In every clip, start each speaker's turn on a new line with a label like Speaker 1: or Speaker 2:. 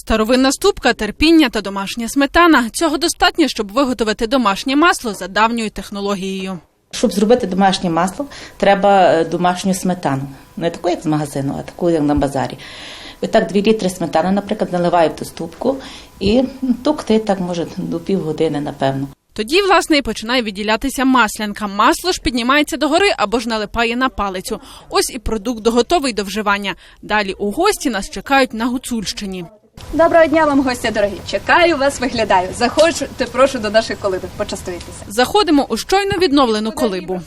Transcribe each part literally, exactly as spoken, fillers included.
Speaker 1: Старовинна ступка, терпіння та домашня сметана. Цього достатньо, щоб виготовити домашнє масло за давньою технологією.
Speaker 2: Щоб зробити домашнє масло, треба домашню сметану. Не таку, як з магазину, а таку, як на базарі. І так, дві літри сметани, наприклад, наливаю в ту ступку і тукти так, може, до півгодини, напевно.
Speaker 1: Тоді, власне, і починає відділятися маслянка. Масло ж піднімається догори або ж налипає на палицю. Ось і продукт готовий до вживання. Далі у гості нас чекають на Гуцульщині.
Speaker 3: Доброго дня вам, гості дорогі. Чекаю вас, виглядаю. Заходьте, прошу, до нашої колиби. Почастуйтеся.
Speaker 1: Заходимо у щойно відновлену колибу.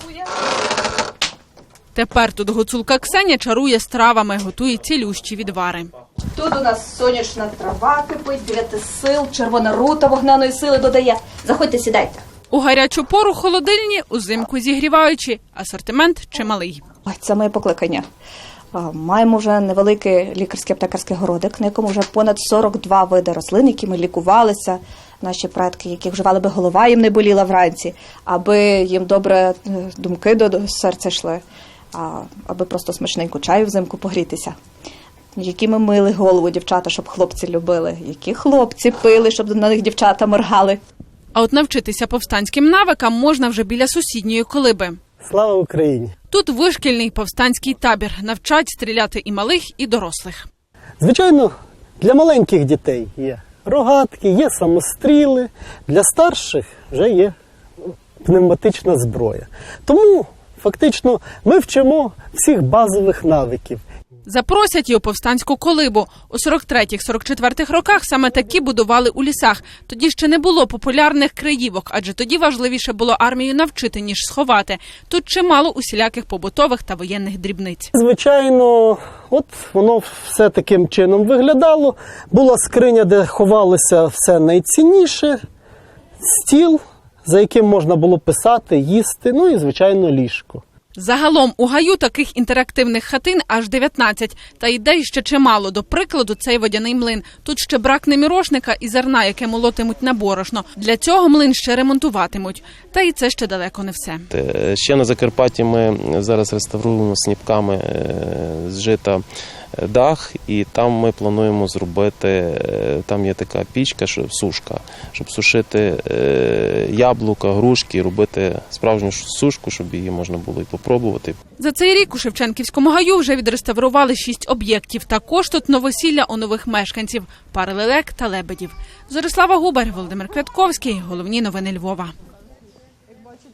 Speaker 1: Тепер тут гуцулка Ксеня чарує стравами, готує цілющі відвари.
Speaker 3: Тут у нас сонячна трава кипить, дев'яти сил, червона рута вогняної сили додає. Заходьте, сідайте.
Speaker 1: У гарячу пору холодильні, узимку зігріваючи. Асортимент чималий.
Speaker 3: Ой, це моє покликання. Маємо вже невеликий лікарський аптекарський городик, на якому вже понад сорок два види рослин, які ми лікувалися. Наші предки, які вживали, би голова їм не боліла вранці, аби їм добре думки до серця йшли, аби просто смачненько чаю взимку погрітися. Які ми мили голову дівчата, щоб хлопці любили, які хлопці пили, щоб на них дівчата моргали.
Speaker 1: А от навчитися повстанським навикам можна вже біля сусідньої колиби.
Speaker 4: Слава Україні!
Speaker 1: Тут вишкільний повстанський табір. Навчать стріляти і малих, і дорослих.
Speaker 4: Звичайно, для маленьких дітей є рогатки, є самостріли. Для старших вже є пневматична зброя. Тому, фактично, ми вчимо всіх базових навиків.
Speaker 1: Запросять і у повстанську колибу. У сорок третіх - сорок четвертих роках саме такі будували у лісах. Тоді ще не було популярних криївок, адже тоді важливіше було армію навчити, ніж сховати. Тут чимало усіляких побутових та воєнних дрібниць.
Speaker 4: Звичайно, от воно все таким чином виглядало. Була скриня, де ховалося все найцінніше, стіл, за яким можна було писати, їсти, ну і, звичайно, ліжко.
Speaker 1: Загалом у гаю таких інтерактивних хатин аж дев'ятнадцять. Та ідей ще чимало. До прикладу, цей водяний млин. Тут ще бракне мірошника і зерна, яке молотимуть на борошно. Для цього млин ще ремонтуватимуть. Та і це ще далеко не все.
Speaker 5: Ще на Закарпатті ми зараз реставруємо сніпками з жита дах, і там ми плануємо зробити, там є така пічка, сушка, щоб сушити яблука, грушки, робити справжню сушку, щоб її можна було і попробувати.
Speaker 1: За цей рік у Шевченківському гаю вже відреставрували шість об'єктів. Також тут новосілля у нових мешканців – пари лелек та лебедів. Зорислава Губар, Володимир Квятковський. Головні новини Львова.